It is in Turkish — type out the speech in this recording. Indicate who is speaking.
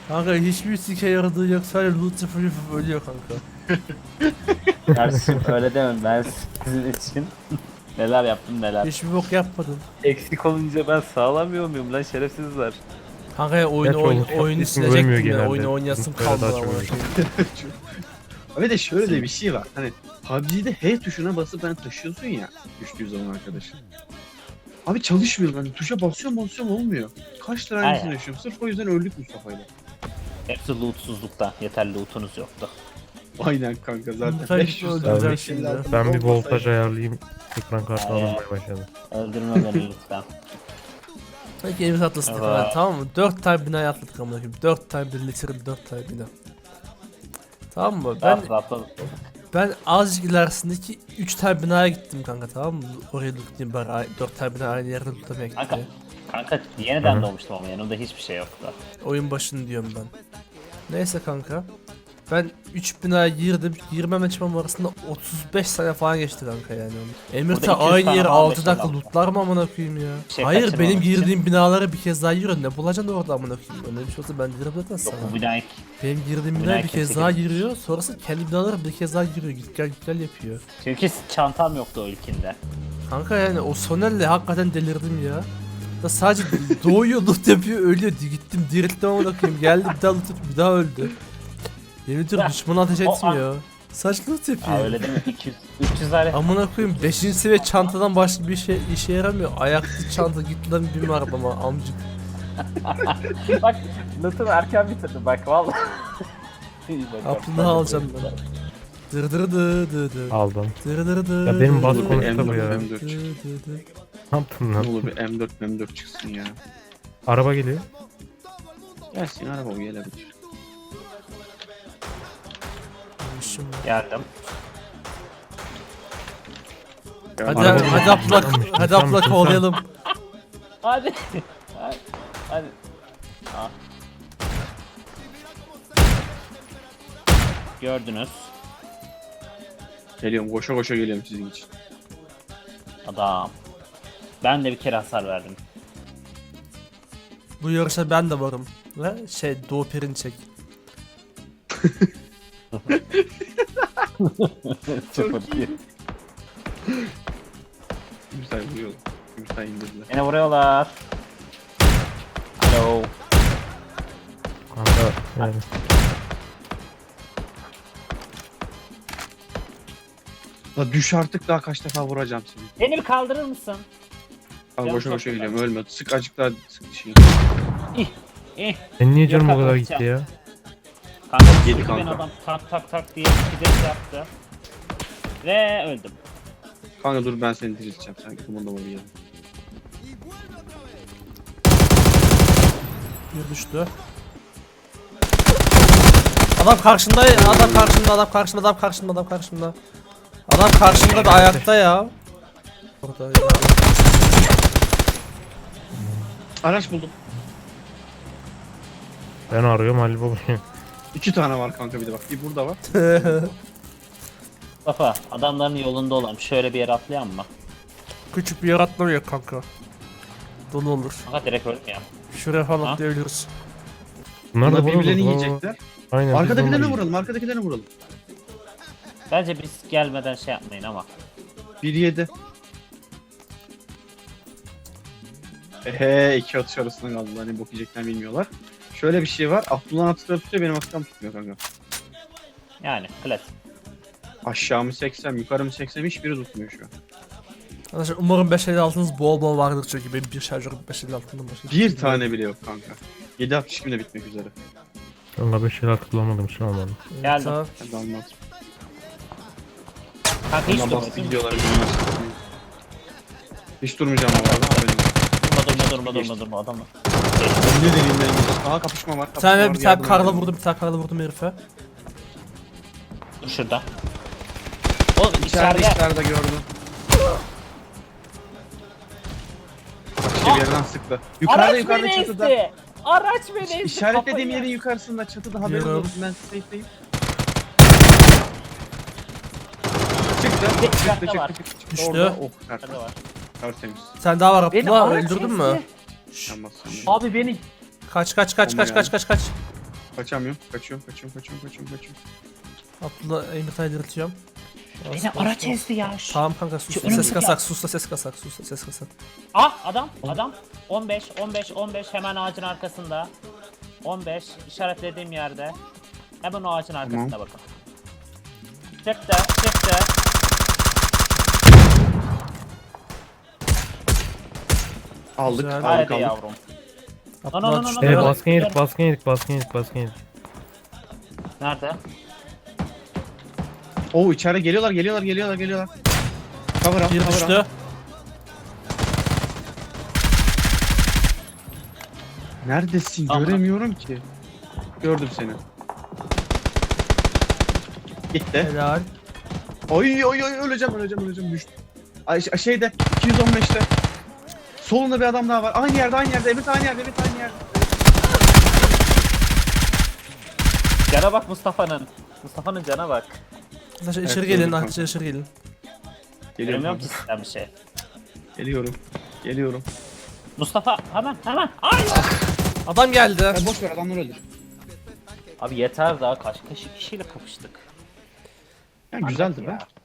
Speaker 1: Kanka hiçbir sike yaradığı yok, sadece loot sıfır ölüyor kanka.
Speaker 2: Kardeşim öyle demem, ben sizin için neler yaptım neler.
Speaker 1: Hiçbir bok yapmadın.
Speaker 2: Eksik olunca ben sağlamıyor muyum lan, şerefsizler.
Speaker 1: Kanka ya
Speaker 3: Gerçi
Speaker 1: oyunu
Speaker 3: Umut
Speaker 1: oyunu
Speaker 3: ismi ölmüyor
Speaker 1: silecektim ya,
Speaker 3: genelde.
Speaker 1: oyunu oynayasım
Speaker 3: Umut böyle
Speaker 1: kalmadı
Speaker 3: daha çok
Speaker 1: ama.
Speaker 3: ölüyor.
Speaker 4: Abi de şöyle de bir şey var. Hani PUBG'de H tuşuna basıp hani taşıyorsun ya düştüğü zaman arkadaşın. Abi çalışmıyor, ben tuşa basıyorum olmuyor. Kaç tane aynısını
Speaker 2: Aynen.
Speaker 4: yaşıyorum. Sırf o yüzden öldük Mustafa'yla.
Speaker 2: Hepsi lootsuzlukta. Yeterli lootunuz yoktu.
Speaker 4: Aynen kanka zaten.
Speaker 1: Mustafa
Speaker 4: 500
Speaker 1: öldürecek
Speaker 4: tane
Speaker 1: şimdi.
Speaker 3: Ben bir voltaj ayarlayayım. Ekran kartı
Speaker 2: Aynen.
Speaker 3: alınmaya başladı.
Speaker 2: Öldürme beni lütfen.
Speaker 1: Peki elimiz atlasın
Speaker 2: Evet.
Speaker 1: falan, tamam mı? 4 tane binaya atladık amına koyayım. 4 tane birleştirin, 4 tane bina. Tamam mı? Ben azıcık ilerisindeki 3 tane binaya gittim kanka, tamam mı? Oraya lootlayayım bari, 4 tane bina aynı yerde lootlamaya
Speaker 2: Kanka,
Speaker 1: gittim.
Speaker 2: kanka yeniden
Speaker 3: Hı.
Speaker 2: doğmuştum ama yanımda hiçbir şey yoktu.
Speaker 1: Oyun başını diyorum ben. Neyse kanka. Ben 3 binaya girdim. Girmem çıkmam arasında 35 sene falan geçti kanka yani. Emir
Speaker 2: Burada
Speaker 1: ta
Speaker 2: 200
Speaker 1: aynı
Speaker 2: tane
Speaker 1: yere
Speaker 2: falan
Speaker 1: 6
Speaker 2: beş
Speaker 1: dakika
Speaker 2: tane
Speaker 1: lootlar mı amına koyayım ya?
Speaker 2: Şey
Speaker 1: Hayır,
Speaker 2: kaçırmamak
Speaker 1: benim
Speaker 2: için.
Speaker 1: girdiğim binalara bir kez daha giriyor. Ne bulacaksın orada amına koyayım? Öyle bir şey olsa ben girerim zaten
Speaker 2: Yok
Speaker 1: sana.
Speaker 2: bu binayı
Speaker 1: Benim girdiğim
Speaker 2: binaya
Speaker 1: binaya bir kez
Speaker 2: kimse
Speaker 1: daha
Speaker 2: girmemiş.
Speaker 1: giriyor. Sonrası kendi binalara bir kez daha giriyor. Git gel yapıyor.
Speaker 2: çünkü çantam yoktu o ilkinde.
Speaker 1: Kanka yani o Sonel'le hakikaten delirdim ya. Ya sadece doğuyor, loot yapıyor, ölüyor. Gittim dirilttim amına koyayım. Geldi bir daha loot yapıyor, bir daha öldü. Yemin ediyorum düşmanı ateş
Speaker 2: O an-
Speaker 1: etmiyor. Saç loot yapıyor.
Speaker 2: Aa öyle değil mi? 200 300 alet.
Speaker 1: Amına koyayım 5. seviye çantadan başka bir şey işe yaramıyor. Ayaklı çanta, git lan binme arabama amcık.
Speaker 2: Bak lootumu erken bitirdim bak vallahi. İyi bak,
Speaker 1: Aklını
Speaker 2: bak,
Speaker 1: alacağım
Speaker 2: bak.
Speaker 1: ben. Dır dır dı dı dı.
Speaker 3: Aldım.
Speaker 1: Dır dır dı
Speaker 3: Ya benim
Speaker 1: dı
Speaker 3: bas
Speaker 1: dı
Speaker 3: konuştu
Speaker 1: dı
Speaker 3: bu ya.
Speaker 1: dı dı dı.
Speaker 3: Ne yaptın
Speaker 4: Ne
Speaker 3: lan?
Speaker 4: olur bir M4 çıksın ya.
Speaker 3: Araba geliyor.
Speaker 4: Gelsin araba o gelebilir.
Speaker 1: Şimdi.
Speaker 2: Geldim.
Speaker 1: Hadi
Speaker 4: Araba-
Speaker 1: hadi aplak, hadi aplak kovalayalım.
Speaker 2: Hadi. Hadi. Hadi. Aa. Gördünüz.
Speaker 4: Geliyorum koşa koşa geliyorum sizin için.
Speaker 2: Adam. Ben de bir kere hasar verdim.
Speaker 1: Bu yarışa ben de varım. Ve Doğu Perinçek.
Speaker 2: Sıfır bir.
Speaker 4: Güzel vuruyor. Güzel indirdiler.
Speaker 2: Beni vuruyorlar. Alo.
Speaker 3: Kanka yani.
Speaker 4: La düş artık, daha kaç defa vuracağım seni.
Speaker 2: Beni bir kaldırır mısın?
Speaker 4: Al
Speaker 2: Canım
Speaker 4: koşa
Speaker 2: çok
Speaker 4: koşa
Speaker 2: güzel.
Speaker 4: geliyorum, ölme. Sık azıcık daha sık şey.
Speaker 2: İh.
Speaker 3: Sen niye canım o
Speaker 2: Yok,
Speaker 3: kadar
Speaker 2: atlatacağım.
Speaker 3: gitti ya?
Speaker 2: Kanka
Speaker 4: Yedi
Speaker 2: sürekli beni
Speaker 4: kanka.
Speaker 2: adam tak tak tak diye bir de yaptı. Ve öldüm.
Speaker 4: Kanka dur ben seni dirilteceğim. Sen kumanda var ya.
Speaker 1: Bir düştü. Adam karşında, adam karşında, adam karşında, adam karşında, adam karşında. Adam karşında da ayakta ya. Orada ya.
Speaker 4: Araç buldum.
Speaker 3: Ben arıyorum Halil Baba'yı.
Speaker 4: 2 tane var kanka, bir de bak. Bir burada var.
Speaker 2: Mustafa adamların yolunda olan şöyle bir yere atlayan mı?
Speaker 1: Küçük bir yer atlamıyor kanka. Dolu olur.
Speaker 2: Kanka direkt öldüm ya.
Speaker 1: Şuraya falan
Speaker 2: Ha?
Speaker 1: atlayabiliriz.
Speaker 3: Bunlar da
Speaker 4: Bunlar birbirlerini
Speaker 3: vurulur.
Speaker 4: yiyecekler.
Speaker 3: Aynen. biz de
Speaker 4: Arkadakilerine
Speaker 3: onları
Speaker 4: vuralım, arkadakilerine vuralım.
Speaker 2: Bence biz gelmeden şey yapmayın ama.
Speaker 4: 1-7. Ehe, 2 atış arasında kaldılar. Hani bok yiyeceklerini bilmiyorlar. Şöyle bir şey var. Abdullah'ın atışları tutuyor, benim atışlarım tutmuyor kanka.
Speaker 2: Yani klasik.
Speaker 4: Aşağımı 80, yukarımı 80, hiçbiri tutmuyor şu an.
Speaker 1: Arkadaşlar umarım 556'nız bol bol vardır çünkü benim bir şarjörüm 556'dan başka.
Speaker 4: Bir tane bile yok kanka. 7.62 de bitmek üzere.
Speaker 3: Kanka 5 şeyler tıklamadım şu an ben.
Speaker 2: Geldim.
Speaker 1: Tamam.
Speaker 4: Hadi almaz.
Speaker 2: Kanka hiç
Speaker 4: Ondan bastı
Speaker 2: durmadın.
Speaker 4: gidiyorlar. Hiç durmayacağım bu arada.
Speaker 2: Durma adamı.
Speaker 4: Ne deneyim ben? Aha kapışma var.
Speaker 1: Bir tane
Speaker 4: Kapışma
Speaker 1: bir
Speaker 4: var,
Speaker 1: tane
Speaker 4: yardım
Speaker 1: karla
Speaker 4: edin.
Speaker 1: vurdum, bir tane karla vurdum herife.
Speaker 2: Dur şurada. Oğlum
Speaker 4: İçeride
Speaker 2: içeride.
Speaker 4: gördüm. Başka bir yerden sıktı. Yukarıda
Speaker 2: Araç
Speaker 4: yukarıda
Speaker 2: beni
Speaker 4: çatıda.
Speaker 2: ezdi. Araç beni ezdi.
Speaker 4: İşaretlediğim
Speaker 2: kafayı
Speaker 4: yerin yukarısında çatıda, haberin
Speaker 1: Biliyorum.
Speaker 4: olsun, ben safe'deyim. Çıktı.
Speaker 2: Bir
Speaker 4: Çıktı
Speaker 2: dakika var.
Speaker 4: çıktı.
Speaker 1: Düştü.
Speaker 4: Orada oh
Speaker 2: Nerede var?
Speaker 4: tertemiz.
Speaker 1: Bir tane daha var
Speaker 2: Beni
Speaker 1: Abdullah,
Speaker 2: araç
Speaker 1: öldürdün
Speaker 2: ezdi.
Speaker 1: mü?
Speaker 4: Sen bas.
Speaker 2: Abi beni
Speaker 1: Kaç kaç kaç kaç kaç kaç kaç.
Speaker 4: Kaçamıyorum. Kaçıyorum.
Speaker 1: Abdullah Emirtay'ı dirilteceğim.
Speaker 2: Beni araç ezdi ya.
Speaker 1: Tamam kanka sus.
Speaker 2: Şu
Speaker 1: Ses
Speaker 2: önümdeki-
Speaker 1: kasak, sus da ses kasak, sus da ses kasak.
Speaker 2: Ah adam 15 hemen ağacın arkasında. 15 işaretlediğim yerde. Hemen o ağacın arkasında bakın. Çıktı.
Speaker 4: Aldık.
Speaker 1: Güzel.
Speaker 2: Haydi
Speaker 4: Aldık.
Speaker 2: yavrum.
Speaker 1: Abdullah
Speaker 2: no,
Speaker 1: düştü.
Speaker 2: no.
Speaker 3: Baskın yedik.
Speaker 2: Nerede?
Speaker 4: Oo içeri geliyorlar. Cover al.
Speaker 1: Bir
Speaker 4: cover al.
Speaker 1: düştü.
Speaker 4: Neredesin?
Speaker 2: Tamam.
Speaker 4: Göremiyorum ki. Gördüm seni. Gitti.
Speaker 1: Helal.
Speaker 4: Oy öleceğim düştü. Ay, şeyde 215'te. Solunda bir adam daha var. Aynı yerde. Evet aynı yerde.
Speaker 2: Cana bak Mustafa'nın. Mustafa'nın cana bak.
Speaker 1: Arkadaşlar
Speaker 4: Evet,
Speaker 1: içeri
Speaker 4: gördüm
Speaker 1: gelin,
Speaker 4: kanka.
Speaker 1: arkadaşlar içeri gelin.
Speaker 2: Bilmiyorum ki
Speaker 4: Geliyorum.
Speaker 2: sizden bir şey.
Speaker 4: Geliyorum.
Speaker 2: Mustafa hemen. Ay!
Speaker 1: Adam geldi.
Speaker 4: Ya boş ver adamları öldür.
Speaker 2: Abi yeter daha kaç kişiyle kapıştık.
Speaker 4: Ya güzeldi be.
Speaker 2: Ya.